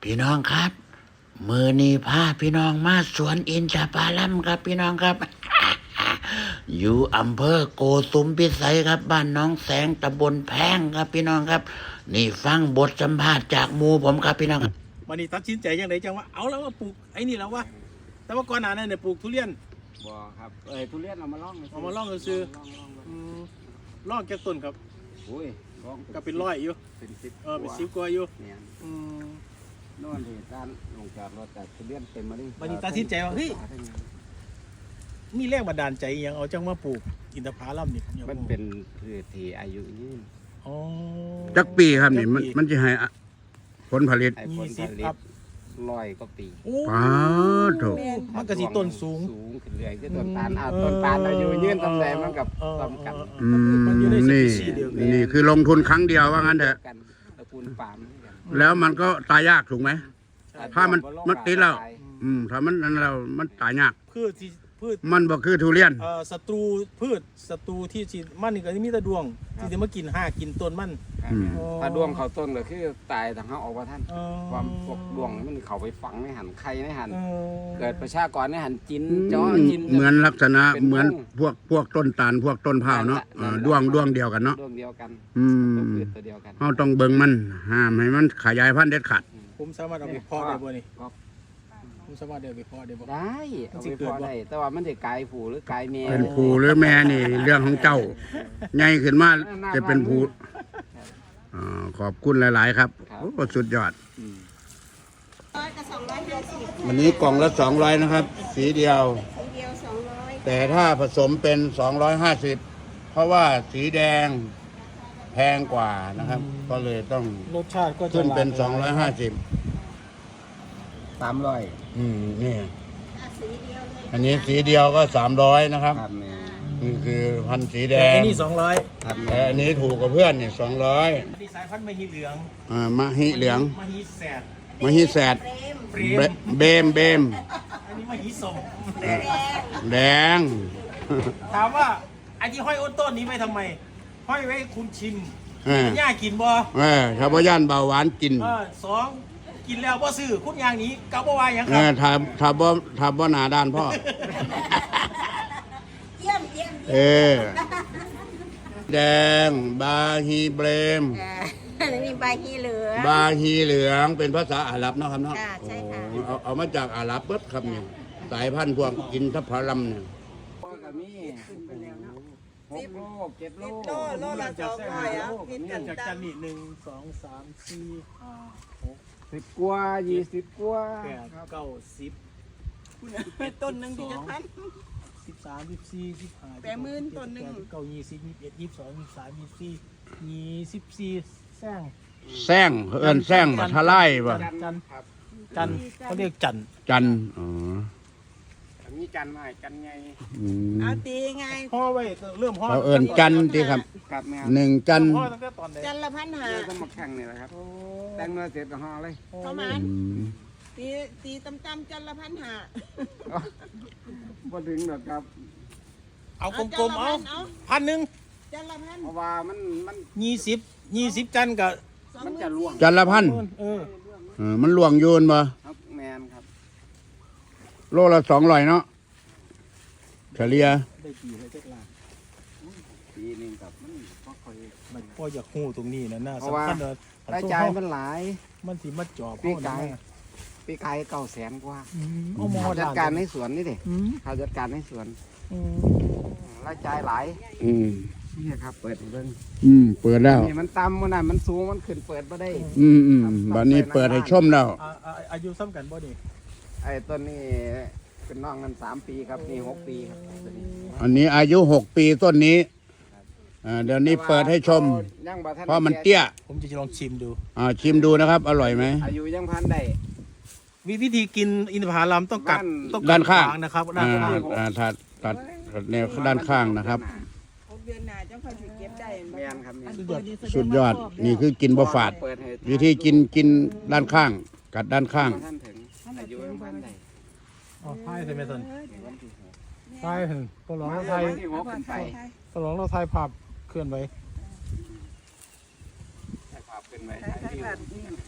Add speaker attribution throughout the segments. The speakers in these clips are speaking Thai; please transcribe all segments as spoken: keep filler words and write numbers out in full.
Speaker 1: พี่น้องครับมือนี้พาพี่น้องมาสวนอินทผลัมครับพี่น้องครับ อยู่อำเภอโกสุมพิสัยครับบ้านน้องแสงตำบลแพงครับพี่น้องครับนี่ฟังบทสัมภาษณ์จากหมู่ผมครับพี่น้องครับ
Speaker 2: วันนี้ตัดสินใจยังไงจังว่าเอาแล้วว่าปลูกไอ้นี่แล้ววะแต่ว่าก่อนหน้านั้นเนี่ยปลูกทุเรียน
Speaker 3: บ่ครับเอ้ยทุเรียนเอามาล่อง
Speaker 2: เอามาล่องซื้อ
Speaker 3: ล่องล่องล่อง
Speaker 2: อืมล่องแก่ต้นครับ
Speaker 3: โอ้ยล่อง
Speaker 2: ก็เป็นร้อยอยู่
Speaker 3: เป็นสิบ
Speaker 2: เออเป็นสิบกว่าอยู่
Speaker 3: เนี่ย
Speaker 2: อืม
Speaker 3: โน่นที่ด้านลงจอดรถแต่ทุเรียนเต็มมาดิ
Speaker 2: วันนี้ตัดสินใจว่าเฮ้ยมีแรงบันดาลใจอหยังเอาจังมาปลูกอินทผลัมนี่ผมอยาก
Speaker 3: มัน
Speaker 2: รู้
Speaker 3: เป็นพืชที่อายุยืน
Speaker 2: อ๋อ
Speaker 4: จักปีครับนี่มัน
Speaker 2: จักปี
Speaker 4: มันจะให้อะผลผลิต
Speaker 3: ไอ้ผล
Speaker 2: ยี่สิ
Speaker 3: ผ
Speaker 2: บ
Speaker 3: ลิ
Speaker 2: ครั
Speaker 3: ต
Speaker 2: บ
Speaker 3: ร้อยก็ปี
Speaker 2: โอ้
Speaker 4: ป้าดโถ
Speaker 2: มันก็สิต้นสูง
Speaker 3: สูงขึ้นเรื่อยคือต้นตาลอ่าต้นตาลอายุยืนตำแหน่งมันกับ
Speaker 2: เออ
Speaker 3: ซ้ำกัน
Speaker 2: เออเอ
Speaker 4: อื
Speaker 2: อ
Speaker 4: ม
Speaker 2: มันอยู่ในส
Speaker 4: นี่
Speaker 2: ปีชีส์เดียวกัน
Speaker 4: นี่คือลงทุนครั้งเดียวว่างั้นเถอะ
Speaker 3: กันตระกูลปาล์มเหมือนกัน
Speaker 4: แล้วมันก็ตายยากถูกไหม ถ้ามัน
Speaker 3: บ่ลง
Speaker 4: มันติดแล้ว
Speaker 3: ตาย
Speaker 4: อืมถ้ามันนั่นเรามันตายยาก
Speaker 2: พืชที่พืช
Speaker 4: มันบ่คือทุเรียน
Speaker 2: เอ่อศัตรูพืชศัตรูที่สิมันนี่ก็มีแต่ดวงที่จะมากินหากินต้นมัน
Speaker 3: ครับ
Speaker 4: อืม
Speaker 3: ถ้าดวงเขาต้นก็คือตายทางเขาออกว่าท่าน
Speaker 2: เออ
Speaker 3: ความพวกดวงมันเขาไปฝังในหันไข่ในหัน
Speaker 2: เออ
Speaker 3: เกิดประชากรในหันจินจ้อจิน
Speaker 4: เหมือนลักษณะ
Speaker 3: เป็น
Speaker 4: เหมือน
Speaker 3: วง
Speaker 4: พวกพวกต้นตาลพวกต้นเผาวเนาะ
Speaker 3: นั่นแหละ
Speaker 4: เออ
Speaker 3: นั่นแหละ
Speaker 4: ดวงดวงเดียวกันเนาะ
Speaker 3: ดวงเดียวกัน
Speaker 4: อื
Speaker 3: ตัว
Speaker 4: ม
Speaker 3: พืชตัวเดียวกัน
Speaker 4: เราต้องเบิ่งมันห้ามให้มันขยายพันธุ์เด็ดขาด
Speaker 2: ผมสามารถเอาไปเพาะได้บ่นี่
Speaker 3: ครับ
Speaker 2: ผมสามารถเอาไปเพาะได้บ่
Speaker 3: ได้เอา
Speaker 2: มันสิ
Speaker 3: ไป
Speaker 2: เกิ
Speaker 3: พ
Speaker 2: ด
Speaker 3: อ
Speaker 2: บ่
Speaker 3: ได้แต่ว่ามันจะกลายผูหรือกลายเมีย
Speaker 4: เป็นผู้หรือแม่นี่เรื่องของเจ้าใหญ่ขึ้นมาจะเป็นผู้อ่าขอบคุณหลาย ๆ ครับโอ้สุดยอด
Speaker 3: อืม
Speaker 5: ร้อยกับสองร้อยห้าสิบ
Speaker 4: วันนี้กล่องละสองร้อยนะครับ สีเดียว
Speaker 5: ทีเดียวสองร้อย
Speaker 4: แต่ถ้าผสมเป็นสองร้อยห้าสิบเพราะว่าสีแดงแพงกว่านะครับ ก็เลยต้อง
Speaker 2: รสชาติก็จะ
Speaker 4: ขึ้นเป็น
Speaker 2: หลากห
Speaker 4: ส
Speaker 2: ลา
Speaker 4: อย งร้อยห้าสิบ
Speaker 3: สามร้อย
Speaker 4: อืมนี่
Speaker 5: อ่ะสีเดียวเลย
Speaker 4: อันนี้สีเดียวก็สามร้อยนะครับ
Speaker 3: ครับแม่
Speaker 4: นี่คือพันธุ์สีแด
Speaker 2: แต่
Speaker 4: ง
Speaker 2: อันนี้สองร้อย
Speaker 3: ครับ
Speaker 4: แต่
Speaker 3: แม่
Speaker 4: อันนี้ถูกกว่าเพื่อนนี่สองร้อย
Speaker 2: อันนี้สายพันธุ์มหิเหลือง
Speaker 4: อ่ามะฮิเหลือง
Speaker 2: มหิแสด
Speaker 4: มะฮิแสด
Speaker 5: เฟรม
Speaker 2: เฟร
Speaker 4: เบ
Speaker 2: ม
Speaker 4: เบมเบม
Speaker 2: อันนี้มหิสม
Speaker 5: แดง
Speaker 4: แดง
Speaker 2: ถามว่าไอ้ที่ห้อยอ้นต้นนี้ไว้ทำไม ห้อยไว้ให้คุณชิม
Speaker 4: เออ
Speaker 2: ย่ากินบ่
Speaker 4: เออชาวบ้านเบาหวานกิน
Speaker 2: เออสองกินแล้วบ่ซื้อคุณอย่างนี้เกาบ่ว่าหยัง
Speaker 4: เอ
Speaker 2: ครับ
Speaker 4: อถ้าถ้าบ่ถ้าบ่หนาด้านพ่อ
Speaker 5: เยี่ยมเยี่ยม
Speaker 4: เอ
Speaker 5: เยี่ยม
Speaker 4: อ แดง บาฮีเบรม
Speaker 5: อ่าอันนี้ใบฮีเหลือง
Speaker 4: บาฮีเหลืองเป็นภาษาอาหรับเนาะครับเนาะ
Speaker 5: ค่ะใช่ค่ะ
Speaker 4: โอ้เอาเอามาจากอาหรับเบิดครับเนี่ยสายพันธุ์พวกอินทผลัมเนี่ย
Speaker 3: ก็มีหกโลเจ็ดโล
Speaker 5: โลโลละสองร้อยอ่ะพิษกัน
Speaker 2: จาก
Speaker 5: ตั
Speaker 2: จั
Speaker 5: น
Speaker 2: นนี่หนึ่งสองสามสี่ห้าหก
Speaker 3: สิบกว่ายี่สิบกว่า
Speaker 2: แปดเก้าสิบ
Speaker 5: ต้นหนึ่งที่จะพัน
Speaker 2: สิบสามสิบสี่สิบห้า
Speaker 5: แปดหมื่นต้นหนึ่ง
Speaker 2: เก้ายี่สิบยี่สิบเอ็ดยี่สิบสองยี่สิบสามยี่สิบสี่ยี่สิบสี่แซง
Speaker 4: แซงเอิ้นแซงบ่ทะไลบ่
Speaker 2: จันจัน
Speaker 3: ครับ
Speaker 2: จันเขาเรียกจัน
Speaker 4: จันทร์อ๋อ
Speaker 3: มีจันทร์มาให้จันทร์ไง
Speaker 4: อืม
Speaker 5: เอาตีไง
Speaker 2: ห่อไว้เริ่มห่อ
Speaker 4: เขาเอิ้นจันทร์ที่ครับ
Speaker 3: ครับแม่
Speaker 4: หนึ่งจันทร์
Speaker 2: ห่อตั้งแต่ตอนไหน
Speaker 5: จันละพันหา
Speaker 3: เราต้องมาแข่งนี่แหละครับแต่งเนื้อเสร็จก็ห่อเลย
Speaker 5: ประมาณ
Speaker 4: อืม
Speaker 5: ตีตีตำตำๆจันละพันหา
Speaker 3: พอถึงหรอกครับ
Speaker 2: เอากลมๆเอาพันหนึ่ง
Speaker 5: จันละพัน
Speaker 3: เพราะว่ามันมัน
Speaker 2: ยี่สิบยี่สิบจันกับ
Speaker 5: สอง
Speaker 3: มัน
Speaker 5: หมื่
Speaker 3: จะ
Speaker 5: น
Speaker 3: ล่วง
Speaker 4: จันละพัน
Speaker 2: เออ
Speaker 4: เออมันหลวงอยูนบ่
Speaker 3: ครับแมนครับ
Speaker 4: โลละสองร้อยเนาะเฉลี่ย
Speaker 2: ได้กี่เลยเจ๊กลา
Speaker 3: ปีหนึงกับมันก็ค่อย
Speaker 2: มันพ่ออยากหู้ตรงนี้นะน่า
Speaker 3: เพราะว่า
Speaker 2: สำคัญเลย
Speaker 3: รายจ่ายมันหลาย
Speaker 2: มันสิมาจอบ
Speaker 3: ปี
Speaker 2: เขา
Speaker 3: กาย
Speaker 2: นะ
Speaker 3: ปีกายเก้าแสนกว่า
Speaker 2: อืมเอาหมอ
Speaker 3: เขาจัด
Speaker 2: ด่น
Speaker 3: การในสวนนี่ดิ
Speaker 2: อืม
Speaker 3: เขาจัดการในสวน
Speaker 2: อืม
Speaker 3: รายจ่ายหลาย
Speaker 4: อืม
Speaker 3: นี่ครับเปิดให้เบิ่ง
Speaker 4: อืมเปิดแล้ว
Speaker 3: นี่มันต่ำมันน่ะมันสูงมันขึ้นเปิดมาได้
Speaker 4: อืมอืมบัดนี้เปิดให้ชมแล้ว
Speaker 2: อ่าอ่าอายุซ้ำกันบ่นี่
Speaker 3: ไอ้ต้นนี้เป็นน้องกันสามปีครับนี่หกปีครับต้นนี้
Speaker 4: อันนี้อายุหกปีต้นนี้อ่าเดี๋ยวนี้เปิดให้ชม
Speaker 3: ยังบ่ทัน
Speaker 4: เพราะมันเตี้ย
Speaker 2: ผมจะลองชิมดู
Speaker 4: อ่าชิมดูนะครับ อร่อยไหม
Speaker 3: อายุยังพันได้
Speaker 2: วิวิธีกินอินทผลัมต้องกัด
Speaker 3: ด้าน
Speaker 2: ต้องกั
Speaker 4: ด้านข้าง
Speaker 2: ขวนะครับด้าน
Speaker 4: อ่า
Speaker 2: ข้าง
Speaker 4: อ่าตัดตัดตัดแนวด้านข้างนะครับ
Speaker 5: หกเดือนหน้าเจ้าเขาจะเก็บได้
Speaker 3: แม่นครับแม่น
Speaker 4: สุดยอดนี่คือกินบะฝาด
Speaker 3: เปิดให้
Speaker 4: วิธีกินกินด้านข้าง กัดด้านข้าง
Speaker 3: บ่ท่านถึงอายุยังพันได้
Speaker 2: อ๋อไทยใช่ไหมท่าน
Speaker 3: วันที่หก
Speaker 2: ไทยเห็นตัวหลองเราไทย
Speaker 3: วันที่หกขึ้นไป
Speaker 2: ตัวหลองเราไทยภาพเคลื่อนไหว
Speaker 3: ให้ภาพขึ้นไปถ่ายวิว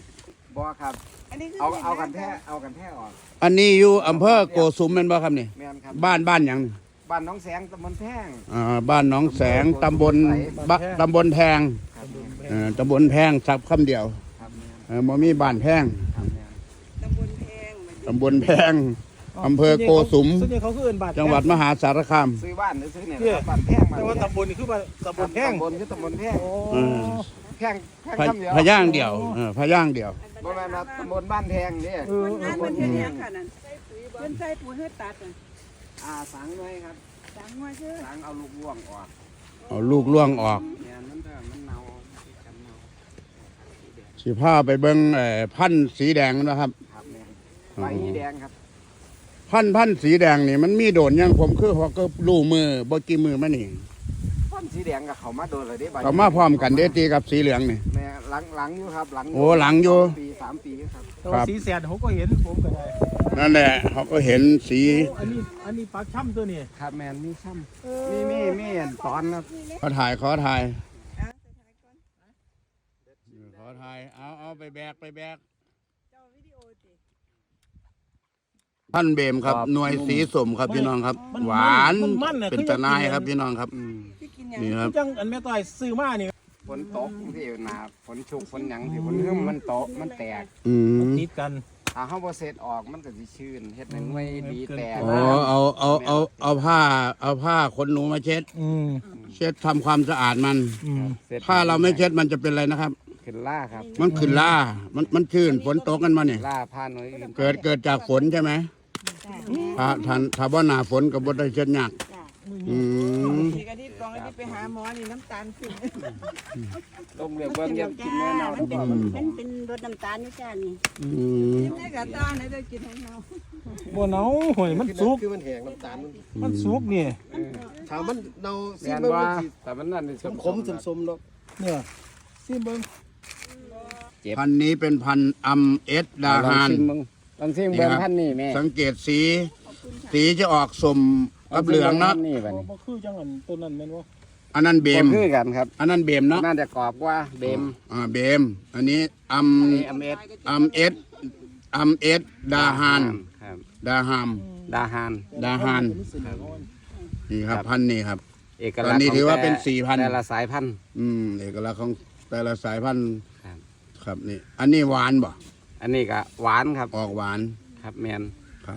Speaker 3: บ่ครับ
Speaker 5: อันนี้คือ
Speaker 3: เอา
Speaker 5: ห็น
Speaker 3: เอากัน
Speaker 5: ไหม
Speaker 3: แท้เอากันแท้ออก
Speaker 4: อันนี้อยู่อำเภอโกสุมแม่นบ่ครับนี่
Speaker 3: แม่นครับ
Speaker 4: บ้านบ้านหยังนี่
Speaker 3: บ้านน้องแสงตำบลแพง
Speaker 4: อ่าบ้านหนองแสงตำบลบะตำบลแพง
Speaker 3: ครับแม่น
Speaker 4: เอ่อตำบลแพงสับคำเดียว
Speaker 3: ครับแม่น
Speaker 4: เออบ่มีบ้านแพง
Speaker 3: ครับแม่น
Speaker 5: ตำบลแพง
Speaker 4: ตำบลแพงอำเภอโกสุม
Speaker 2: ส่วนใหญ่เขาคือเอิ้นบาท
Speaker 4: จังหวัดมหาสารคาม
Speaker 3: ซื้อบ้านหรือซื้อเนี่ยนะครับบ้านแพงมา
Speaker 2: แต่ว่าตำบลนี่คือบ้านตำบลแพง
Speaker 3: ตำบลคือตำบลแพง
Speaker 2: โอ้
Speaker 4: เออ
Speaker 3: แพงแพง
Speaker 4: พะ
Speaker 3: คำเดียว
Speaker 4: พะย่างเดียวเออพะย่างเดียว
Speaker 3: บ่แม่นว่าตำบลบ้านแพงนี่
Speaker 2: เออ
Speaker 5: คนงานมันเฮ็ดหยังค่ะนั่นเพิ่นใส่ปุ๋ยให้ตัดน่ะ
Speaker 3: อ่าสังไว้ครับ
Speaker 5: สังว่าชื่อ
Speaker 3: สังเอาลูกร่วงออก
Speaker 4: เอาลูกล่วงออก
Speaker 3: เนี่ยมันเถอะมันเน่ากันเน่า
Speaker 4: สิพาไปเบิ่งเอ่อพันธุ์สีแดงนะครับ
Speaker 3: ครับแม่นใบแดงครับ
Speaker 4: พันธุ์พันธุ์สีแดงนี่มันมีโดนยังผมคือเขาก็รู้มือบ่กี่มือมานี่
Speaker 3: ต้นสีแดงกับเขามาโดนเลยเด้ใบ
Speaker 4: เขามาพร้อมกันเด้ตีกับสีเหลืองนี่
Speaker 3: แม่หลังหลังอยู่ครับหลัง
Speaker 4: โอ้หลังอยู่
Speaker 3: สปีสามปีครับ
Speaker 2: แต่ว่าสีแสดผมก็เห็นผมก็ได้
Speaker 4: นั่นแหละเขาก็เห็นสี
Speaker 2: โอ้อันนี้อันนี้ปลาช่ำตัวนี้
Speaker 3: ครับแม่นมีซ้
Speaker 2: เอ
Speaker 3: ำมีมีมีอันตอนครับ
Speaker 4: ขอถ่ายขอถ่าย
Speaker 5: อ่ะสุดท้ายก่อน
Speaker 4: ขอถ่ายเอาเอาไปแบกไปแบก
Speaker 5: เจ้าวิดีโอติ
Speaker 4: พันธุ์เบมครับหน่วยสีสมครับพี่น้องครับ หวานเป็นตะนายครับพี่น้องครับ
Speaker 3: อืม
Speaker 5: ที่กินหยัง
Speaker 4: นี่ครับ
Speaker 2: จังอันแม่ต้อยซื้อมานี่
Speaker 3: ฝนตกที่หนาฝนชุกฝนหยังที่ฝนหึ่มมันโตกมันแตก
Speaker 4: อืม
Speaker 2: ติดกัน
Speaker 3: ถ้าเฮาบ่เสร็จออกมันก็สิชื้นเฮ็ดให้หน่วยดีแตก
Speaker 4: อ๋อเอาเอาเอาเอาผ้าเอาผ้าขนหนูมาเช็ด
Speaker 2: อืม
Speaker 4: เช็ดทำความสะอาดมัน
Speaker 2: อืม
Speaker 3: สร็จ
Speaker 4: ถ้าเราไม่เช็ดมันจะเป็นอะไรนะครับ
Speaker 3: ขึ้นล่าครับ
Speaker 4: มันขึ้นล่ามันมันชื้นฝนตกกันมาเนี่ย
Speaker 3: ล่าผ่านหน่วยอื่น
Speaker 4: เกิดเกิดจากฝนใช่ไหมถ้าถ้าถ้าว่าหนาฝนกับบได้เช็ดยากอืม
Speaker 5: ทีกะที่ตองอันนี้ไปหาหมอนี่น้ำตาลขึ้น
Speaker 3: ลงเรียกเบิ่งอย่ากินแน่นอน
Speaker 6: มันเป็นมันเป็นรสน้ำตาลนี่จ้านี่
Speaker 4: อืม
Speaker 5: กินได้กับตาไหนได้กินของเรา
Speaker 2: บ่เนาหอยมันสุก
Speaker 7: คือมันแห้งน้ำตาลมัน
Speaker 2: มันสุกนี่
Speaker 7: ถามมันเนาซี
Speaker 3: แม่น
Speaker 7: มัน
Speaker 3: ว่า
Speaker 7: มันสิ
Speaker 3: แต่มันนั่นนี่
Speaker 7: ขมขมๆสมๆเนาะ
Speaker 2: เนี่ยซิเบิ่ง
Speaker 4: พันธุ์นี้เป็นพันธุ์อัมเอสดา
Speaker 3: ลอง
Speaker 4: ฮาน
Speaker 3: ชิมเบิ่งลองชิมเบิ่งพันนี่แม่
Speaker 4: สังเกตสี สีจะออกสมกับเหลืองเนาะ
Speaker 3: นี่บัด
Speaker 2: บ่
Speaker 3: นี้
Speaker 2: บ่คือจังอันตัวนั้นแม่นบ่
Speaker 4: อันนั้นเบม
Speaker 3: บ่คือกันครับ
Speaker 4: อันนั้นเบมเนาะ
Speaker 3: น่าจะกรอบกว่าเบม
Speaker 4: อ่าเบม อันนี้อัม
Speaker 3: อันนี้อเมส
Speaker 4: อัมเอสอัมเอสดาฮาน
Speaker 3: ครับ
Speaker 4: ดาฮาม
Speaker 3: ดาฮาน
Speaker 4: ดาฮานนี่ครับพันธุ์นี้ครับ
Speaker 3: เอก
Speaker 4: ต
Speaker 3: ลั
Speaker 4: อก น
Speaker 3: ษณ์
Speaker 4: นี้
Speaker 3: ขง
Speaker 4: ถือว่า
Speaker 3: แต่
Speaker 4: เป็นสี่พันธุ์
Speaker 3: แต่ละสายพันธุ์
Speaker 4: อืมเอกลักษณ์ของแต่ละสายพันธุ์
Speaker 3: ครับ
Speaker 4: ครับนี่ อันนี้หวานบ่
Speaker 3: อันนี้ก็หวานครับ
Speaker 4: ออกหวาน
Speaker 3: ครับแมน
Speaker 4: ครับ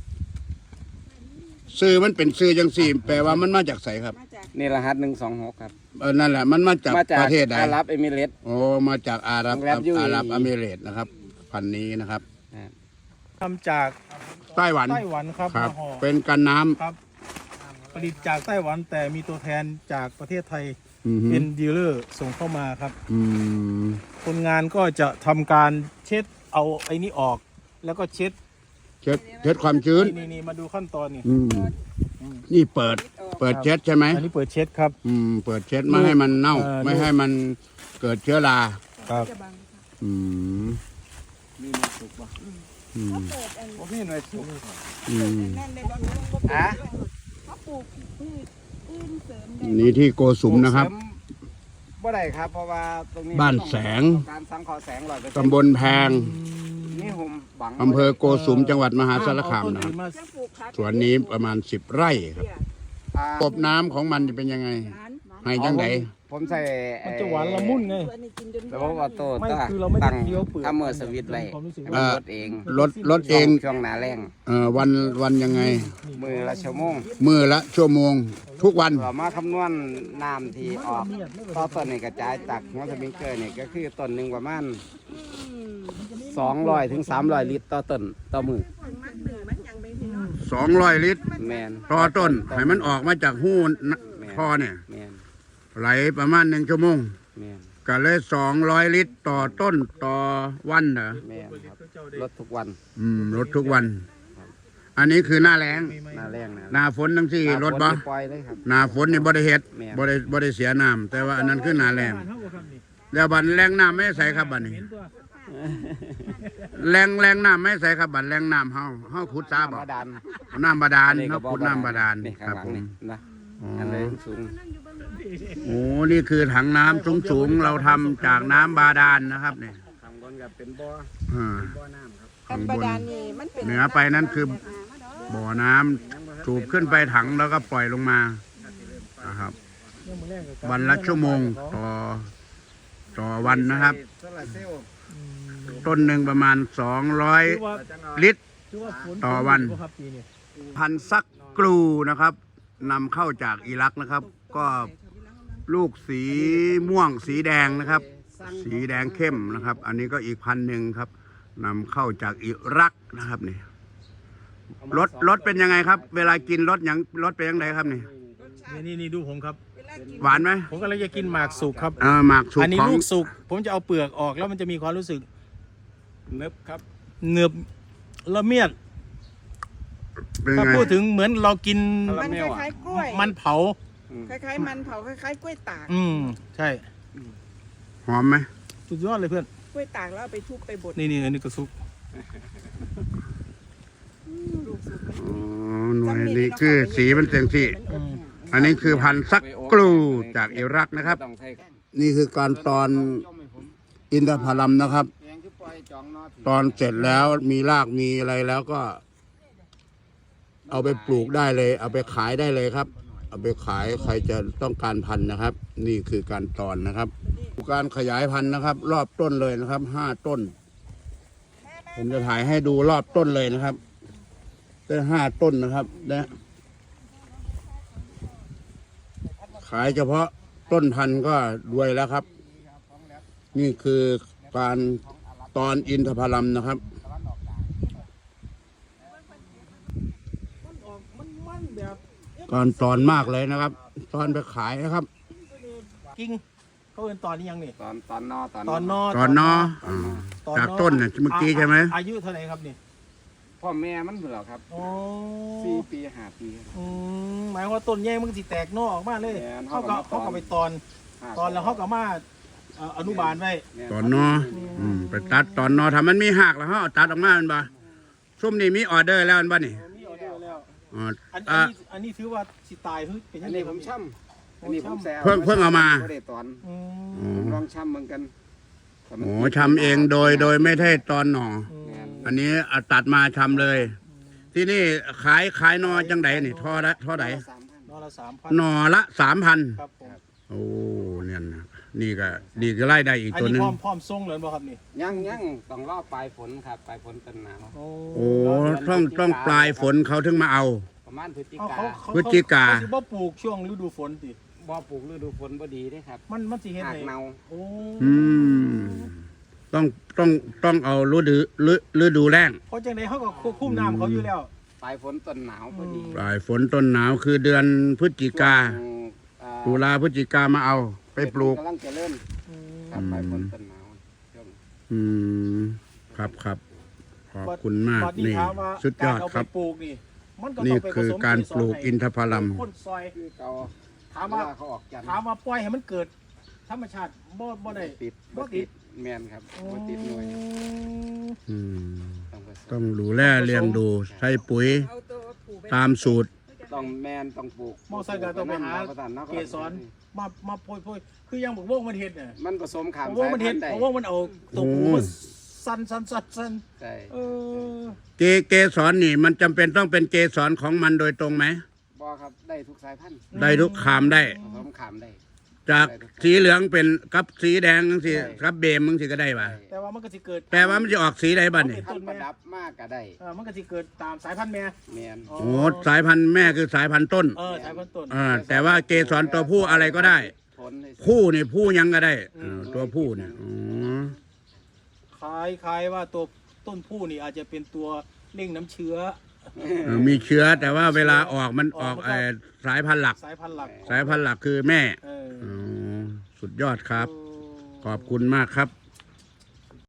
Speaker 4: ซื้อมันเป็นซื้อจังสี่ แปลว่ามันมาจากไสครับ
Speaker 5: มาจาก
Speaker 3: นี่รหัสหนึ่งสองหกครับ
Speaker 4: เออนั่นแหละมันมาจาก
Speaker 3: มาจาก
Speaker 4: ประเทศใด
Speaker 3: อาหรับเอมิเรตส์
Speaker 4: โอ้มาจากอาหรับ
Speaker 3: โรงแรม ยู
Speaker 4: อาหรับ
Speaker 3: เออี
Speaker 4: อเมเรตส์นะครับ พันธุ์นี้นะครับ
Speaker 2: ทำจาก
Speaker 4: ไต้หวัน
Speaker 2: ไต้หวันครับ
Speaker 4: ครับ
Speaker 2: มาห่อ
Speaker 4: เป็นกันน้ำ
Speaker 2: ครับ ผลิตจากไต้หวันแต่มีตัวแทนจากประเทศไทย
Speaker 4: อือฮึ
Speaker 2: เป็นดีลเลอร์ส่งเข้ามาครับ
Speaker 4: อืม
Speaker 2: คนงานก็จะทำการเช็ดเอาไอ้นี้ออก แล้วก็เช็ด
Speaker 4: เช็ดเช็ดความชื้น
Speaker 2: นี่นี่มาดูขั้นตอนนี่
Speaker 4: อืมนี่เปิด เปิดเช็ดใช่ไหม
Speaker 2: อันนี้เปิดเช็ดครับ
Speaker 4: อืม เปิดเช็ดไม่ให้มันเน่า
Speaker 2: เออ
Speaker 4: ไม่ให้มันเกิดเชื้อรา
Speaker 2: ครับ
Speaker 4: อืม
Speaker 3: มีหน่วยสุกบ่
Speaker 4: อืม
Speaker 3: บ่มีหน่วยสุก
Speaker 4: อืม
Speaker 5: นั่นเลยบ่
Speaker 3: อ่ะ
Speaker 5: เขาปลูกพืชอื่นเสริมได้
Speaker 4: นี่ที่โกสุมนะครับ
Speaker 3: เสมบ่ได้ครับ เพราะว่าตรงนี้
Speaker 4: บ้านแสง
Speaker 3: ต้องการสังเคราะห์แสงร้อยเปอร์เซ็นต์
Speaker 4: ตำบลแพง
Speaker 3: นี่หุ่มบัง
Speaker 4: อำเภอโกสุมจังหวัดมหาสารคามนะครับ
Speaker 2: มา
Speaker 5: จะปลูกผัก
Speaker 4: สวนนี้ประมาณสิบไร่ครับ
Speaker 3: อ่า
Speaker 4: ระบบน้ำของมันจะเป็นยังไง ให้จังได
Speaker 3: ผมใส่
Speaker 2: มันจะหวานละมุนไง
Speaker 5: ตัวนี้กินจน
Speaker 3: ระบบออโต้
Speaker 2: ไม่
Speaker 3: ตั้ง
Speaker 2: คือเราไม่ได้
Speaker 3: ตั้ง
Speaker 2: เคี้ยวเปลือก
Speaker 3: ทำเมอร์สวิตช์ไว้
Speaker 2: ความรู้สึก
Speaker 3: ให้มันลดเอง
Speaker 4: รถรถเอง
Speaker 3: ช่วงหนาแรง
Speaker 4: เอ่อวันวันยังไง
Speaker 3: มือละชั่วโมง
Speaker 4: มือละชั่วโมง ทุกวัน
Speaker 3: เรามาคำนวณน้ำที่ออกต่อต้นนี่กระจายจากหัวสปริงเกอร์นี่ก็คือต้นหนึ่งประมาณสองร้อยถึงสามร้อยลิตรต่อต้นต่อมือ
Speaker 5: มันหนึ่งมันยังไม่พี่น้อง
Speaker 4: สองร้อยลิตร
Speaker 3: แมน
Speaker 4: ต่อต้น ให้มันออกมาจากหูนะ
Speaker 3: แม่น
Speaker 4: ท่อเนี่ย
Speaker 3: แมน
Speaker 4: ไหลประมาณหนึ่งชั่วโมง
Speaker 3: แมน
Speaker 4: ก็เลยสองร้อยลิตรต่อต้นต่อวันเหรอ
Speaker 3: แมนครับลดทุกวัน
Speaker 4: อืมลดทุกวัน อันนี้คือหน้าแรง
Speaker 3: หนาแรงนะ
Speaker 4: หน้าฝนทั้งที่ลดบ่
Speaker 3: หน้าฝนนี่ปล่อยเลยครับ
Speaker 4: หน้าฝนนี่บ่ได้เฮ็ด
Speaker 3: แม่น
Speaker 4: บ่ได้บ่ได้เสียน้ำแต่ว่าอันนั้นคือหน้าแรง
Speaker 2: เท่ากับครับนี่
Speaker 4: แล้วบัดแรงน้ำไม่ใส่ครับบัดนี้
Speaker 2: เห็นตัว
Speaker 4: แรงแรงน้ำไม่ใส่ครับบัดแรงน้ำเฮาเฮาขุดซาบ่
Speaker 3: น้ำบาดาล
Speaker 4: น้ำบาดาล
Speaker 3: อั
Speaker 4: เฮาขุดน้ำบาดาล
Speaker 3: นี่
Speaker 4: ค
Speaker 3: ข้า
Speaker 4: รั
Speaker 3: ง
Speaker 4: บ
Speaker 3: หลัง
Speaker 4: ผม
Speaker 3: นี่นะ
Speaker 4: อ๋อ
Speaker 3: อันนี้สูง
Speaker 4: โอ้นี่คือถังน้ำสูงๆเราทำจากน้ำบาดาลนะครับเนี่ย
Speaker 3: ทำก่อนกับเป็นบ่อ
Speaker 4: อ่า
Speaker 5: อันบาดาลนี่มันเป็น
Speaker 4: เหนือไปนั่นคือบ่อน้ำสูบขึ้นไปถังแล้วก็ปล่อยลงมานะครับ วันละชั่วโมงต่อต่อวันนะครับ ต้นหนึ่งประมาณสองร้อยลิตร ต่อวัน พันธุ์ซักกลูนะครับนำเข้าจากอิรักนะครับ ก็ลูกสีม่วงสีแดงนะครับ สีแดงเข้มนะครับ อันนี้ก็อีกพันธุ์หนึ่งครับนำเข้าจากอิรักนะครับนี่รสรสเป็นยังไงครับ เวลากินรสอย่างรสเป็นยังไงครับนี่
Speaker 2: นี่นี่นี่ดูผมครับ
Speaker 4: หวานไหม
Speaker 2: ผมกำลังจะกินหมากสุกครับ
Speaker 4: เออหมากสุก
Speaker 2: อันนี้
Speaker 4: ของ
Speaker 2: ลูกสุก ผมจะเอาเปลือกออกแล้วมันจะมีความรู้สึก
Speaker 7: เนิบครับ
Speaker 2: เนือบละเมียด
Speaker 4: เป็น
Speaker 2: ถ้า
Speaker 4: ไง
Speaker 2: พูดถึงเหมือนเรากิน
Speaker 5: มันคล้ายๆกล้วย
Speaker 2: มันเผา
Speaker 5: คล้ายๆมันเผาคล้ายๆกล้วยตาก
Speaker 2: อืมใช่
Speaker 4: หอมไหม
Speaker 2: สุดยอดเลยเพื่อน
Speaker 5: กล้วยตากแล้วเอาไปทุบไปบด
Speaker 2: นี่นี่อันนี้ก็ซุก
Speaker 5: ลูกสุก
Speaker 4: อ๋อหน่วยนี้คือสีมันเสียงสี
Speaker 2: อืม
Speaker 4: อันนี้คือพันธุ์ซักกลูจากอิรักนะครับ
Speaker 3: ต้องใช้
Speaker 4: นี่คือการตอนอินทผลัมนะครับ
Speaker 3: แยงคือปล่อยจองนอผี
Speaker 4: ตอนเสร็จแล้วมีรากมีอะไรแล้วก็ เอาไปปลูกได้เลย เอาไปขายได้เลยครับ เอาไปขายใครจะต้องการพันธุ์นะครับ นี่คือการตอนนะครับ การขยายพันธุ์นะครับ รอบต้นเลยนะครับห้าต้น ผมจะถ่ายให้ดูรอบต้นเลยนะครับได้ห้าต้นนะครับนะขายเฉพาะต้นพันธุ์ก็รวยแล้วครับ นี่คือการตอนอินทผลัมนะครับ การตอนมากเลยนะครับ ตอนไปขายนะครับ
Speaker 2: กิ้งเขาเป็นตอนนี้ยังนี่
Speaker 3: ตอนตอนนอตอน
Speaker 2: ตอนนอ
Speaker 4: ตอนนออ่าจากต้นน่ะเมื่อกี้ใช่ไหม
Speaker 2: อายุเท่าไหร่ครับนี่
Speaker 3: พ่อแม่มันเหรอครับ
Speaker 2: โอ้
Speaker 3: สี่ปีห้าปีครับ
Speaker 2: อืมหมายความว่าต้นใหญ่มันก็สิแตกนอออกมาเลย
Speaker 3: แม่น
Speaker 2: เขาก็
Speaker 3: เขาก็มาตอน
Speaker 2: เขาก็ไปตอน ตอนแล้วเขาก็มาเอ่ออนุบาลไว้
Speaker 4: ตอนนออืมไปตัดตอนนอทำมันมีหักแล้วเขาเอาตัดออกมามันบ่ซุ่มนี่มีออเดอร์แล้วมันบ่นี่
Speaker 2: มีออเดอร์แล้ว
Speaker 4: อ๋อ
Speaker 2: อัน
Speaker 4: อ่ะ
Speaker 2: อันนี้อันนี้ถือว่าสิตายเฮ้ยเป็นยั
Speaker 3: อั
Speaker 2: ง
Speaker 3: น
Speaker 2: ไง
Speaker 3: นี้
Speaker 2: ค
Speaker 3: ผ
Speaker 2: รับ
Speaker 3: มช่ำอันนี้ผมแซว
Speaker 4: เพิ่งเพิ่งเอามา
Speaker 3: บ่ได้ตอน
Speaker 2: อืม
Speaker 4: อ๋อ
Speaker 3: ลองช่ำเหมือนกันแต่มัน
Speaker 4: โอ้ชำเองโดยโดยไม่ได้ตอนหน่อ
Speaker 2: อืม
Speaker 3: แม่น
Speaker 4: อันนี้เอาตัดมาชำเลย ที่นี่ขายขายนอจังไดนี่ท่อละท่อใด
Speaker 3: สามพัน
Speaker 2: นอละสามพัน
Speaker 4: หนอละสามพัน
Speaker 2: ครับผม
Speaker 4: โอ้เนี่ยนะนี่ก็ดีก็ไล่ได้อีก
Speaker 2: อัน
Speaker 4: ตัวห
Speaker 2: นี้
Speaker 4: นึง
Speaker 2: พร้อมพร้อมส่งเลยบ่ครับนี่
Speaker 3: ยังยังต้องรอปลายฝนครับปลายฝนต้นหนาว
Speaker 2: โอ้
Speaker 4: โอ้ต้องต้องปลายฝนเขาถึงมาเอา
Speaker 3: ประมาณพฤศจิ
Speaker 2: เอา
Speaker 3: กา
Speaker 2: เขาเขา
Speaker 4: พฤศจิกา
Speaker 2: เขาสิบ่ปลูกช่วงฤดูฝนติ
Speaker 3: บ่ปลูกฤดูฝนบ่ดีเด้ครับ
Speaker 2: มันมันสิเฮ็ด
Speaker 3: หาก
Speaker 2: ให้
Speaker 3: เนา
Speaker 2: โอ้
Speaker 4: อืมต้องต้องต้องเอาฤดูฤฤดูแล้ง
Speaker 2: เพราะจังไดเขาก็ควบคุมน้ำเขาอยู่แล้ว
Speaker 3: ปลายฝนต้นหนาวพอดี
Speaker 4: ปลายฝนต้นหนาวคือเดือนพฤศจิกา
Speaker 3: ช่วงอ่า
Speaker 4: ตุลาพฤศจิกามาเอา ไปปลูก
Speaker 3: กำลังจะเริ่มครับปลายฝนต้นหนาวช่วง
Speaker 4: อืมครับครับขอบคุณมาก
Speaker 2: บัด
Speaker 4: นี่
Speaker 2: ถามว่า
Speaker 4: สุดยอด
Speaker 2: กาเา
Speaker 4: ครับ
Speaker 2: ไปปลูกนี่มันก็
Speaker 4: นี่
Speaker 2: ต้องไปผ
Speaker 4: คือ
Speaker 2: สม
Speaker 4: การ
Speaker 2: เส
Speaker 4: ปลูก
Speaker 2: ให้
Speaker 4: อินทผลัม
Speaker 2: คนซอย
Speaker 3: คือเก่า
Speaker 2: ถาม
Speaker 3: เว
Speaker 2: ว่า
Speaker 3: ลาเขาออกจันทร์
Speaker 2: ถามว่าปล่อยให้มันเกิด ธรรมชาติบ่บ่ได้
Speaker 3: ติด
Speaker 2: บ่
Speaker 3: บ่
Speaker 2: ติ
Speaker 3: ติ
Speaker 2: ด
Speaker 3: ดแม่นครับบ่ติดหน่วย
Speaker 4: อืม
Speaker 3: ต้องผส
Speaker 4: ต้อ
Speaker 3: ม
Speaker 4: งดูแลเลี้ยงดูใช้ปุ๋ย
Speaker 5: เอาตัวปลูกไป
Speaker 4: ตามสูตร
Speaker 3: ต้องแม่นต้องปลูก
Speaker 2: มอไซค์ก็ต้องไปหา
Speaker 3: ประทานเนาะ
Speaker 2: เกสรมามาโปรยๆคือยังบอกวงมันเฮ็ดน่ะ
Speaker 3: มันผสมขาม
Speaker 2: บอกวงมันเฮ็ด
Speaker 3: ได้
Speaker 2: บอกวงมันเอาตัวปูมาสั่นสั่นสั่นสั่น
Speaker 3: ใช่
Speaker 2: เออ
Speaker 4: เกเกสรนี่มันจำเป็นต้องเป็นเกสรของมันโดยตรงไหม
Speaker 3: บ่ครับได้ทุกสายพันธุ์
Speaker 4: ได้ทุกขามได้
Speaker 3: ผสมขามได้
Speaker 4: จากสีเหลืองเป็นกับสีแดงสิกับเบมมึงสิก็ได้ป่ะ
Speaker 2: แต่ว่ามันก็สิเกิด
Speaker 4: แต่ว่ามันจะออกสีใดบ้านี่
Speaker 3: พันธุ์ประดับมากก็ได้
Speaker 2: เออมันก็สิเกิดตามสายพันธุ์แม่
Speaker 3: แม่น
Speaker 2: อ๋อ
Speaker 4: โอ้สายพันธุ์แม่คือสายพันธุ์ต้น
Speaker 2: เออสายพันธุ์ต้น
Speaker 4: อ่าแต่ว่าเกสรตัวผู้อะไรก็ได้
Speaker 3: ผลให้
Speaker 4: ผู้นี่ผู้ยังก็ได้เออตัวผู้เนี่ยอ๋อ
Speaker 2: คล้ายคล้ายว่าตัวต้นผู้นี่อาจจะเป็นตัวเร่งน้ำเชื้อ
Speaker 4: เออมีเชื้อแต่ว่าเวลาออกมันออก
Speaker 2: ออก
Speaker 4: เอ่อสายพันธุ์หลัก
Speaker 2: สายพันธุ์หลัก
Speaker 4: สายพันธุ์หลักคือแม่
Speaker 2: เออ
Speaker 4: อ๋อสุดยอดครับ
Speaker 2: เออ
Speaker 4: ขอบคุณมากครับ